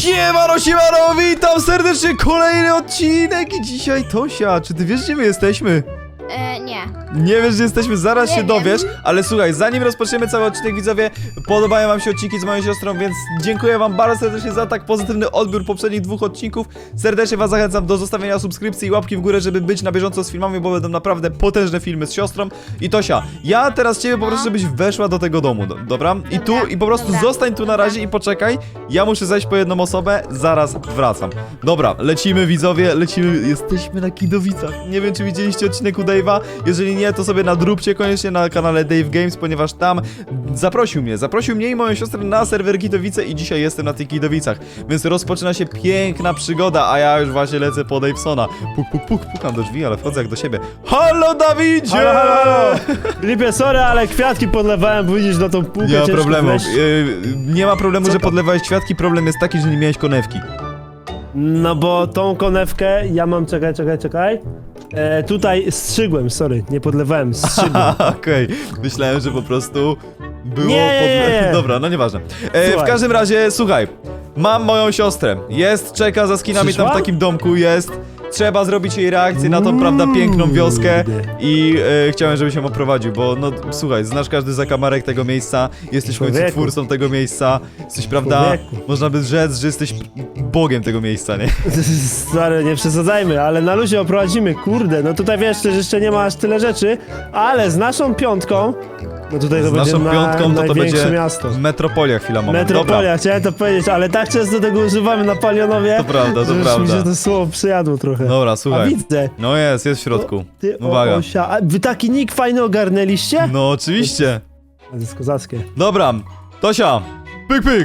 Siemano, witam serdecznie, kolejny odcinek i dzisiaj Tosia, czy ty wiesz, gdzie my jesteśmy? Nie. Nie wiesz, gdzie jesteśmy, zaraz Nie się wiem. dowiesz, ale słuchaj, zanim rozpoczniemy cały odcinek, widzowie, podobają wam się odcinki z moją siostrą, więc dziękuję wam bardzo serdecznie za tak pozytywny odbiór poprzednich dwóch odcinków. Serdecznie was zachęcam do zostawienia subskrypcji i łapki w górę, żeby być na bieżąco z filmami, bo będą naprawdę potężne filmy z siostrą. I Tosia, ja teraz ciebie poproszę, żebyś weszła do tego domu, dobra? I tu, i po prostu zostań tu na razie i poczekaj, ja muszę zejść po jedną osobę, zaraz wracam. Dobra, lecimy widzowie, lecimy, jesteśmy na Kidowicach. Nie wiem, czy widzieliście odcinek u Dave'a, jeżeli nie, to sobie nadróbcie koniecznie na kanale Dave Games, ponieważ tam zaprosił mnie i moją siostrę na serwer Kidowice i dzisiaj jestem na tych Kidowicach, więc rozpoczyna się piękna przygoda, a ja już właśnie lecę po Davesona. Pukam do drzwi, ale wchodzę jak do siebie. Halo, Dawidzie! Halo! Lipie, sorry, ale kwiatki podlewałem, bo widzisz na tą półkę. Nie ma ciężko problemu, wleźć. nie ma problemu, Co że to? podlewałeś kwiatki, problem jest taki, że nie miałeś konewki. No bo tą konewkę ja mam, czekaj. Tutaj strzygłem, sorry, nie podlewałem, strzygłem. Okej, myślałem, że po prostu było Nie. Dobra, no nieważne. W Słuchaj. każdym razie, słuchaj, mam moją siostrę. Czeka za skinami Przyszła? tam w takim domku, jest. Trzeba zrobić jej reakcję na tą, prawda, piękną wioskę i chciałem, żebyś ją oprowadził, bo no słuchaj, znasz każdy zakamarek tego miejsca, jesteś w końcu Człowieku. twórcą tego miejsca, jesteś, prawda, Człowieku. można by rzec, że jesteś bogiem tego miejsca, nie? Stary, nie przesadzajmy, ale na luzie oprowadzimy, kurde, no tutaj wiesz, że jeszcze nie ma aż tyle rzeczy, ale z naszą piątką, no tutaj to Z będzie naszą piątką to największe będzie miasto. metropolia chwila moment. Metropolia, chciałem to powiedzieć, ale tak często tego używamy na Palionowie, To prawda, to że już prawda. mi się to słowo przyjadło trochę. Dobra, A słuchaj. widzę. No jest w środku. Ty, Uwaga. Osia, a wy taki nick fajny ogarnęliście? No oczywiście. To jest kozackie. Dobra, Tosia. Pyk.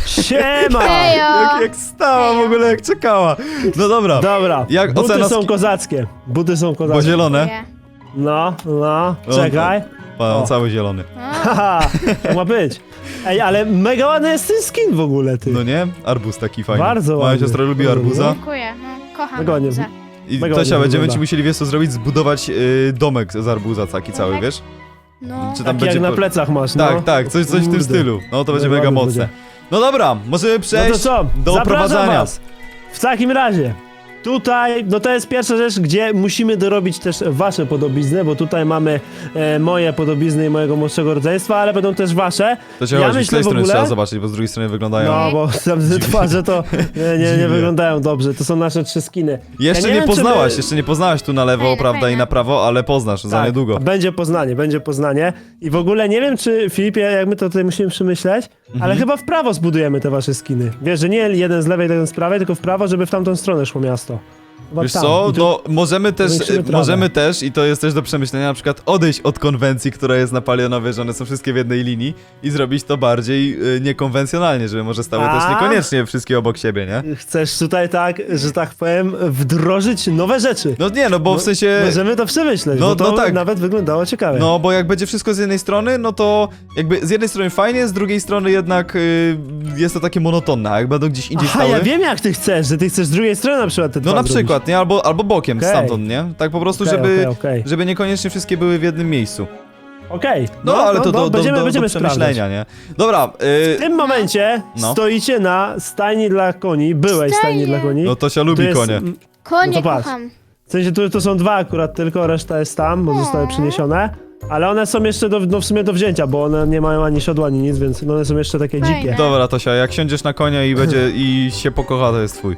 Siema! Hejo! Jak stała w ogóle, jak czekała. No dobra, Dobra, Jak buty ocena są kozackie. Buty są bo kozackie. zielone. Nie. No, No, czekaj. Pan O. cały zielony. Haha, tak ma być. Ej, ale mega ładny jest ten skin w ogóle, ty. No nie? Arbuz taki fajny. Bardzo Moja ładny. siostra lubi Bardzo arbuza. Dziękuję, no, kocham Mega ładnie. arbuza. I Mega Tosia, ładnie będziemy wygląda. ci musieli, wiesz co zrobić? Zbudować domek z arbuza taki cały, Domek? wiesz? No, Czy tam Taki jak na plecach masz, no. Tak, coś w tym Kurde. stylu. No to będzie Mega mega ładny mocne. będzie. No dobra, możemy No to przejść co? do Zapraszam oprowadzania. was. W takim razie. Tutaj, no to jest pierwsza rzecz, gdzie musimy dorobić też wasze podobizny, bo tutaj mamy moje podobizny i mojego młodszego rodzeństwa, ale będą też wasze. To się chodzi, z tej strony trzeba zobaczyć, bo z drugiej strony wyglądają... No, bo tam te twarze to nie Dziwnie. wyglądają dobrze, to są nasze trzy skiny. Jeszcze Ja nie wiem, czy poznałaś, my- jeszcze nie poznałaś tu na lewo, Fajne, prawda, fajne. i na prawo, ale poznasz za niedługo. Będzie Poznanie. I w ogóle nie wiem, czy Filipie, jak my to tutaj musimy przemyśleć, Mhm. ale chyba w prawo zbudujemy te wasze skiny. Wiesz, że nie jeden z lewej, jeden z prawej, tylko w prawo, żeby w tamtą stronę szło miasto. Chyba Wiesz tam. co, I tu- no powiększymy trawę. możemy też, i to jest też do przemyślenia, na przykład odejść od konwencji, która jest na Palionowie, że one są wszystkie w jednej linii i zrobić to bardziej niekonwencjonalnie, żeby może stały też A? niekoniecznie wszystkie obok siebie, nie? Chcesz tutaj tak, że tak powiem, wdrożyć nowe rzeczy. No nie, no bo w sensie... Możemy to przemyśleć, No, bo to no tak. nawet wyglądało ciekawie. No, bo jak będzie wszystko z jednej strony, no to jakby z jednej strony fajnie, z drugiej strony jednak jest to takie monotonne, a jak będą gdzieś indziej Aha, stały... ja wiem jak ty chcesz, że ty chcesz z drugiej strony na przykład te No dwa na zrobić. przykład, nie? Albo bokiem Okej. stamtąd, nie? Tak po prostu, Okej, żeby, okej. żeby niekoniecznie wszystkie były w jednym miejscu. Okej. No, ale to do będziemy sprawdzać. przemyślenia, nie? Dobra, W tym momencie No. stoicie na stajni dla koni, byłej stajni dla koni. no Tosia Tu lubi jest, konie. konie no to patrz. kocham. W sensie tu są dwa akurat tylko, reszta jest tam, bo zostały przyniesione. Ale one są jeszcze w sumie do wzięcia, bo one nie mają ani siodła, ani nic, więc one są jeszcze takie Fajne. dzikie. Dobra, Tosia, jak siądziesz na konia i będzie i się pokocha, to jest twój.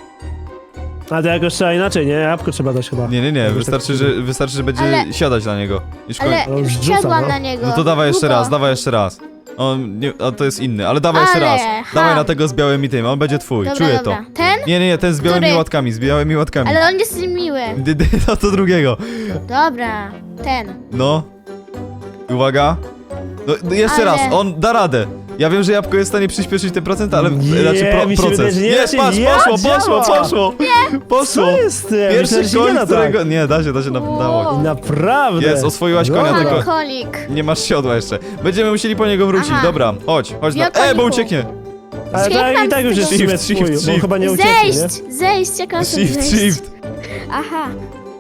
A to jakoś trzeba inaczej, nie? Jabłko trzeba dać chyba. Nie, wystarczy, że będzie Ale- siadać na niego. Już Ale No, już już rzuca, siadłam no. na niego. No to dawaj jeszcze Długo. raz, dawaj jeszcze raz. A to jest inny, ale dawaj jeszcze Ale, raz. ha. Dawaj na tego z białymi tym, on będzie twój, Dobra, czuję dobra. to. Ten? Nie, ten z białymi Który? łatkami, z białymi łatkami. Ale on jest miły. No to drugiego. Dobra, ten. No. Uwaga. No, jeszcze Ale- raz, on da radę. Ja wiem, że jabłko jest w stanie przyspieszyć te procenty, ale Nie, raczej mi się proces. wydaje, że nie Jest, da się. patrz, Ja, poszło. Poszło. Co jest? Ja myślałem, Pierwszy że się nie koń, da którego... tak. Nie, da się dało. Wow. Naprawdę. Jest, oswoiłaś konia, Dobra. tylko- Pan kolik. Nie masz siodła jeszcze. Będziemy musieli po niego wrócić, Aha. dobra. Chodź bo Biokoniku. ucieknie. Ale tak, i tak już jest w sumie Shift, twój, shift, bo shift. chyba nie ucieknie, nie? Zejść, jak on Shift, zejść. shift. Aha.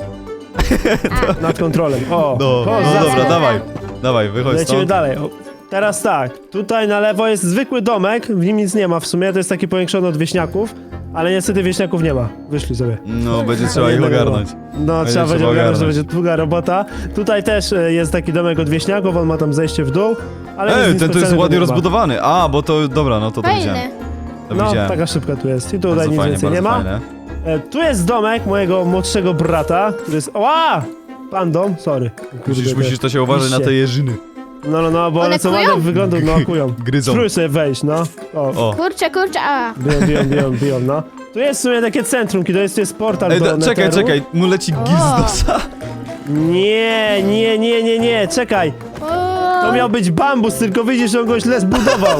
Nad kontrolem. O, No, o, no za- dobra, dawaj. Dawaj, wychodź Lecimy stąd. dalej. O, Teraz tak, tutaj na lewo jest zwykły domek, w nim nic nie ma w sumie, to jest taki powiększony od wieśniaków, ale niestety wieśniaków nie ma, wyszli sobie. No, będzie trzeba ich ogarnąć. No, trzeba będzie ogarnąć, to będzie długa robota. Tutaj też jest taki domek od wieśniaków, on ma tam zejście w dół, ale nic Ej, ten to jest specjalnego ładnie nie ma. rozbudowany. A, bo to, dobra, no to widziałem. Fajny. To No, widziałem. taka szybka tu jest i tutaj Bardzo nic fajnie, więcej nie bardzo ma. fajne. Tu jest domek mojego młodszego brata, który jest... Oła! Pan dom, sorry. Kurde, Musisz to się uważać na te jeżyny. No, bo One one co kują? ładnie wyglądają, no kują. Gryzą. Spróbuj sobie wejść, no. O, O. Kurczę, a. biją, no. Tu jest w sumie takie centrum, kiedy tu jest portal Ej, do czekaj, Netheru. czekaj, mu leci gil z nosa. Nie, czekaj. To miał być bambus, tylko widzisz, że on go źle zbudował.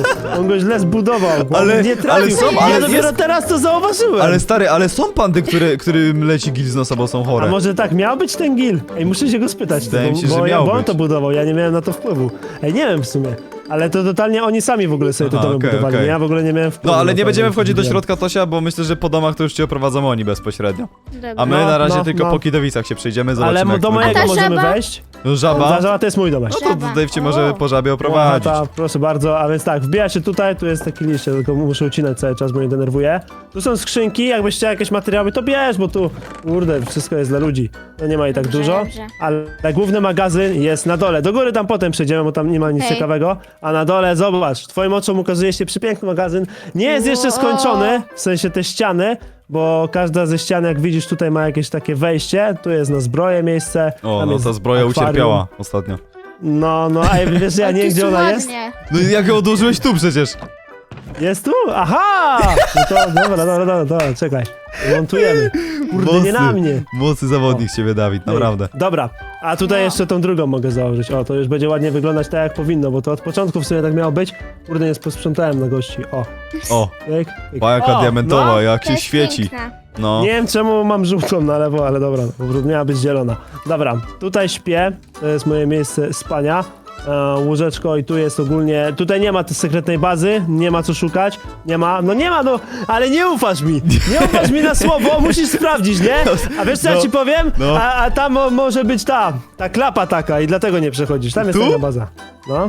Bo Ale- on nie trafił. ale są- Ja ale dopiero jest- teraz to zauważyłem. Ale stary, ale są pandy, którym leci gil z nosa, bo są A chore. może tak miał być ten gil? Ej, muszę się go spytać. Wydaje mi się, bo że miał bo on być. to budował, ja nie miałem na to wpływu. Ej, nie wiem w sumie. Ale to totalnie oni sami w ogóle sobie te Aha, domy okej, budowali. okej. Ja w ogóle nie miałem wpływu. No, ale na nie to, będziemy jak wchodzić do budowałem. środka, Tosia, bo myślę, że po domach to już cię oprowadzą oni bezpośrednio. Dobra. A my No, na razie no, tylko no. po Kidowicach się przejdziemy, Ale zobaczymy jak do to mojego wygląda. A ta możemy żaba? wejść. No, żaba? Żaba to jest mój domek. No to Dave cię może O. po żabie No, oprowadzić. proszę bardzo, a więc tak, wbija się tutaj, tu jest taki liście, tylko muszę ucinać cały czas, bo mnie denerwuje. Tu są skrzynki, jakbyś chciał jakieś materiały, to bierz, bo tu, kurde, wszystko jest dla ludzi. No nie ma i tak Dobrze, dużo, dobrze. ale główny magazyn jest na dole. Do góry tam potem przejdziemy, bo tam nie ma nic Okej. ciekawego. A na dole, zobacz, twoim oczom ukazuje się przepiękny magazyn. Nie jest jeszcze Wow. skończony, w sensie te ściany, bo każda ze ścian, jak widzisz, tutaj ma jakieś takie wejście. Tu jest na zbroję miejsce. O, tam no jest ta zbroja akwarium. ucierpiała ostatnio. No, a wiesz, ja nie wiem, Jakie gdzie ona jest. ładnie. No i jak ją odłożyłeś tu przecież? Jest tu? Aha! No to dobra, czekaj. Montujemy. Kurde, nie na mnie. Mocny zawodnik z ciebie, Dawid, naprawdę. Dobra, a tutaj No. jeszcze tą drugą mogę założyć. O, to już będzie ładnie wyglądać tak, jak powinno, bo to od początku w sumie tak miało być. Kurde, nie posprzątałem na gości. O, O, pyk, pyk. jaka O, diamentowa, no. jak To się jest świeci. piękna. No. Nie wiem czemu mam żółtą na lewo, ale dobra, miała być zielona. Dobra, tutaj śpię, to jest moje miejsce spania. Łóżeczko i tu jest ogólnie, tutaj nie ma tej sekretnej bazy, nie ma co szukać, nie ma, ale nie ufasz mi, nie ufasz mi na słowo, musisz sprawdzić, nie? A wiesz co ja No, ci powiem? no. A tam może być ta klapa taka i dlatego nie przechodzisz, tam jest Tu? taka baza, no.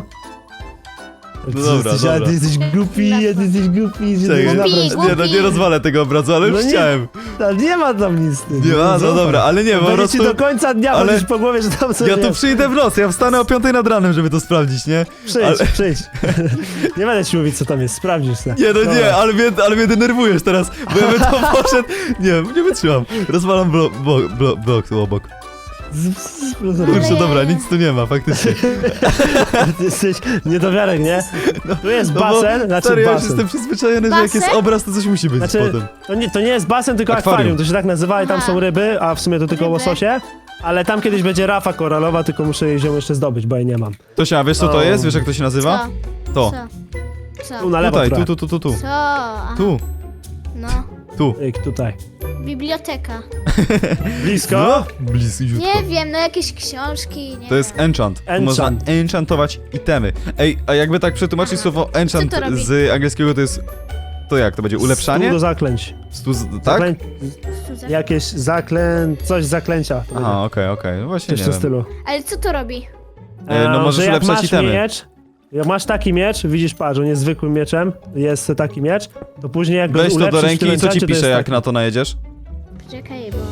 No dobra, Ty dobra. jesteś głupi, że Czekaj. ty Głupi. Nie, no nie rozwalę tego obrazu, ale już No nie, chciałem. nie ma tam nic. Nie ma, no dobra, ale nie, po Będzie prostu... ci do końca dnia ale- chodzić po głowie, że tam coś Ja tu jest. przyjdę w nocy, ja wstanę o 5 nad ranem, żeby to sprawdzić, nie? Przyjdź. Nie będę ci mówić, co tam jest, sprawdzisz se. Nie, no Dobra. nie, ale mnie denerwujesz teraz, bo ja bym to poszedł... Nie wytrzymam. Rozwalam blok tu obok. Kurczę, dobra, nic tu nie ma, faktycznie. Ty jesteś niedowiarek, nie? Tu jest No bo, basen, znaczy stary, ja już basen. jestem przyzwyczajony, że jak jest Basen? obraz, to coś musi być Znaczy, potem. to nie jest basen, tylko Akwarium. akwarium. To się tak nazywa i tam Aha. są ryby, a w sumie to tylko Ryby. łososie. Ale tam kiedyś będzie rafa koralowa, tylko muszę jej ją jeszcze zdobyć, bo jej nie mam. Tosia, wiesz co to O. jest? Wiesz jak to się nazywa? Co? To. Co? Tu na lewo Tutaj, trochę. tu. Co? Aha. Tu, No. tu. Tutaj. Biblioteka. Blisko. No, bliziutko. Nie wiem, no jakieś książki, nie To jest wiem. enchant. Tu Enchant. można enchantować itemy. Ej, a jakby tak przetłumaczyć słowo enchant Co to robi? z angielskiego, to jest... To jak? To będzie ulepszanie? Stół do zaklęć. Tak? Jakieś coś z zaklęcia. to będzie. Aha, okej, no właśnie Coś w nie tym wiem. stylu. Ale co to robi? No możesz że jak ulepszać masz itemy. miecz, jak masz taki miecz, widzisz, patrz, on jest zwykłym mieczem, jest taki miecz, to później jak go Weź to do ulepszysz w ręki tym i co ci enchancie, to pisze, jest jak taki. na to najedziesz? Poczekaj, bo...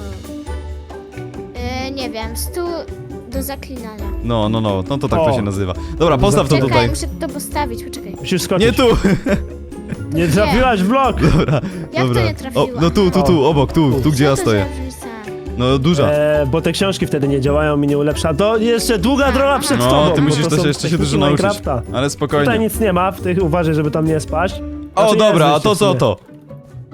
nie wiem, stół do zaklinania. No to tak to O. się nazywa. Dobra, postaw to Czekaj, tutaj. muszę to postawić, poczekaj. Musisz skoczyć. Nie tu! Nie trafiłaś w blok! Dobra, Jak dobra. to nie trafiłam? O, no tu, obok, tu gdzie Co ja to stoję. za różnica? No duża. Bo te książki wtedy nie działają i nie ulepsza. To jeszcze długa droga przed No, tobą. ty bo musisz to też są jeszcze się techniki dużo nauczyć. Minecrafta. Ale Tutaj spokojnie. nic nie ma, w tych uważaj, żeby tam nie spaść. O, Znaczy, dobra, jest a to wyjście w co sumie. to?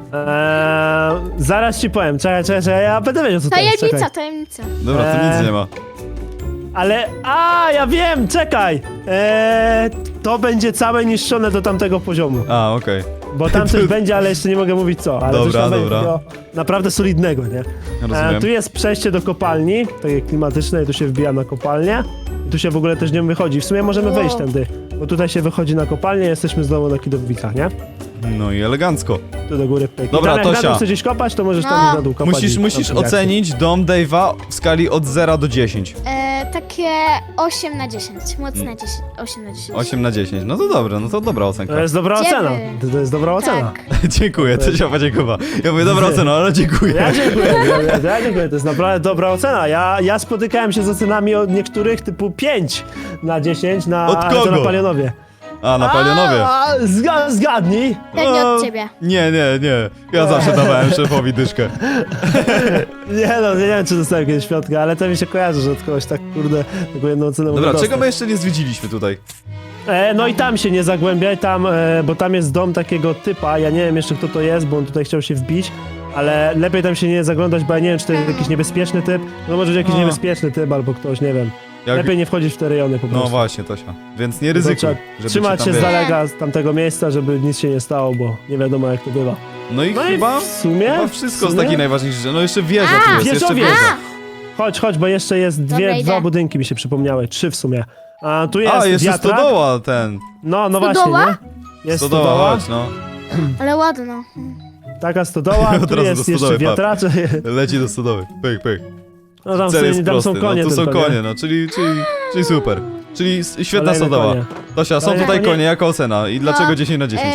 Zaraz ci powiem, czekaj, ja będę wiedział co to jest. Tajemnica, Czekaj. tajemnica. Dobra, tu nic nie ma. Ale, ja wiem, czekaj! To będzie całe niszczone do tamtego poziomu. A, okej. Bo tam coś będzie, ale jeszcze nie mogę mówić co. Ale Dobra, coś tam będzie dobra. takiego naprawdę solidnego, nie? Rozumiem. Tu jest przejście do kopalni, takie klimatyczne i tu się wbija na kopalnię. I tu się w ogóle też nie wychodzi. W sumie możemy wejść tędy, bo tutaj się wychodzi na kopalnię, jesteśmy znowu na Kidowicach, nie? No i elegancko. Tu do góry pyk. Dobra, I tam jak Tosia. na dół chcesz gdzieś kopać, to możesz tam No. gdzieś na dół kopać. Musisz i tam ocenić dom Dave'a w skali od 0 do 10. takie 8 na 10. Mocne 10. 8 na 10. 8 na 10. No to dobre, no to dobra ocenka. To jest dobra Dziewięć. ocena. To jest dobra ocena. Tak. Dziękuję, to się podziękował. Ja mówię, dobra ocena, ale dziękuję. Ja dziękuję, ja dziękuję, to jest naprawdę dobra ocena. Ja spotykałem się z ocenami od niektórych typu 5 na 10 na, Od kogo? to na Palionowie. A, na Palionowie. Zgadnij. Pewnie O, od ciebie. Nie. Ja zawsze dawałem szefowi dyszkę. Nie wiem czy dostałem kiedyś świątkę, ale to mi się kojarzy, że od kogoś tak kurde, taką jedną ocenę Dobra, mogę czego dostać. my jeszcze nie zwiedziliśmy tutaj? No i tam się nie zagłębiaj, tam, bo tam jest dom takiego typa, ja nie wiem jeszcze kto to jest, bo on tutaj chciał się wbić, ale lepiej tam się nie zaglądać, bo ja nie wiem czy to jest jakiś niebezpieczny typ, no może być jakiś No. niebezpieczny typ albo ktoś, nie wiem. Jak... Lepiej nie wchodzić w te rejony po prostu. No właśnie, Tosia. Więc nie Tylko ryzykuj. trzeba żeby trzymać ci się tam, z wiesz. daleka z tamtego miejsca, żeby nic się nie stało, bo nie wiadomo jak to bywa. No i No chyba... i w sumie... Chyba wszystko w z sumie- takich najważniejszych rzeczy. No jeszcze wieża A, tu jest, jeszcze wieżowiec. wieża. Chodź, bo jeszcze jest Dobra, idę. dwa budynki mi się przypomniały, 3 w sumie. A tu jest A, jeszcze wiatrak. stodoła ten. No właśnie, Stodoła? nie? Jest Stodoła, stodoła, chodź, no. Ale ładno. taka stodoła, Od tu razu jest do jeszcze stodoły, wiatracze. Leci do stodoły. Pyk, pyk. No tam, w Cel sumie, jest tam prosty, są konie no, tu są tylko, nie? konie, no, czyli super. Czyli świetna Kolejne stodoła. konie. Tosia, są Kolejne tutaj konie. konie, jaka ocena? I dlaczego No, 10 na 10?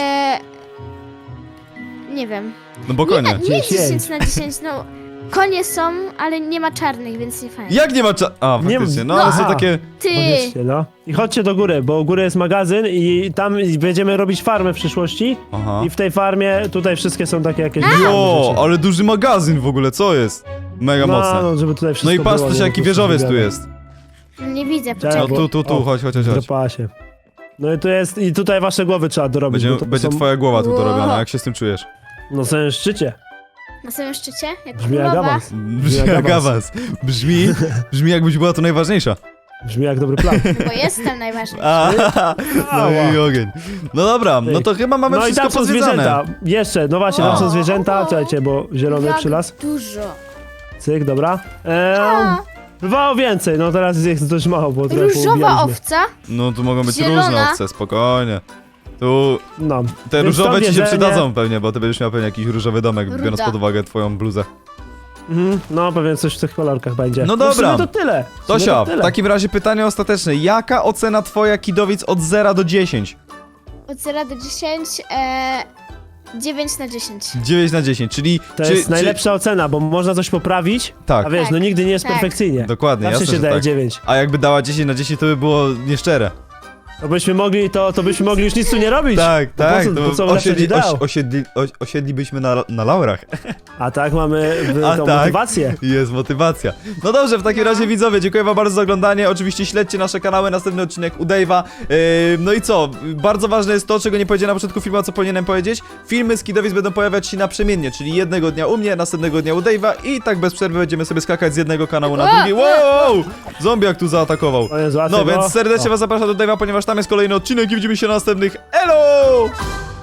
Nie wiem. No bo konie. Nie 10. 10 na 10, no. Konie są, ale nie ma czarnych, więc nie fajnie. Jak nie ma A, Nie- faktycznie, no no, ale są aha. takie... Ty! Chodźcie, no. I chodźcie do góry, bo u góry jest magazyn i tam będziemy robić farmę w przyszłości. Aha. I w tej farmie tutaj wszystkie są takie jakieś Jo, rzeczy. ale duży magazyn w ogóle, co jest? Mega mocne. No, żeby tutaj wszystko No i patrz było, też nie? jaki Po prostu wieżowiec tu wygląda. jest. Nie widzę, Czekaj, No poczekaj. tu, O, chodź. Drapała się. No i tu jest, i tutaj wasze głowy trzeba dorobić, bo to Będzie są twoja głowa tu Wow. dorobiona, jak się z tym czujesz? na samym szczycie. Na samym szczycie? Jak Brzmi jak królowa. awans. Brzmi jak awans. Brzmi jakbyś była tu najważniejsza. Brzmi jak dobry plan. Bo jestem najważniejszy. No i ogień. No dobra, no to chyba mamy No i wszystko tam są pozwiedzane. zwierzęta. Jeszcze, no właśnie, tam O. są zwierzęta. Czekajcie, bo zielony Jak przylas. dużo. Cyk, dobra. A, Bywało więcej, no teraz jest dość mało, bo trochę różowa poubijaliśmy. owca? No tu mogą być Zielona. różne owce, spokojnie. Tu No. te Więc różowe to ci się jedzenie- przydadzą pewnie, bo ty będziesz miał pewnie jakiś różowy domek, Ruda. biorąc pod uwagę twoją bluzę. No, pewnie coś w tych kolorkach będzie. No w dobra. sumie to tyle. W sumie Tosia, to w tyle. takim razie pytanie ostateczne. Jaka ocena twoja Kidowic od 0 do 10? Od 0 do 10, 9 na 10. 9 na 10, czyli... To jest najlepsza ocena, bo można coś poprawić, Tak, a wiesz, Tak, no nigdy nie jest tak. perfekcyjnie. dokładnie, Zawsze jasne, się że daje tak. 9. A jakby dała 10 na 10, to by było nieszczere. To byśmy mogli, to byśmy mogli już nic tu nie robić. Tak, Po tak, co- to po co ulepszać ideał? osiedlibyśmy na laurach. A tak mamy A tą tak. motywację. Jest motywacja. No dobrze, w takim razie widzowie, dziękuję wam bardzo za oglądanie. Oczywiście śledźcie nasze kanały, następny odcinek u Dave'a. No i co? Bardzo ważne jest to, czego nie powiedziałem na początku filmu, a co powinienem powiedzieć. Filmy z Kidowic będą pojawiać się naprzemiennie, czyli jednego dnia u mnie, następnego dnia u Dave'a i tak bez przerwy będziemy sobie skakać z jednego kanału na drugi. Wow! Zombie jak tu zaatakował. O Jezu, a No tego? więc serdecznie O. was zapraszam do Dave'a, ponieważ tam jest kolejny odcinek i widzimy się na następnych. Elo!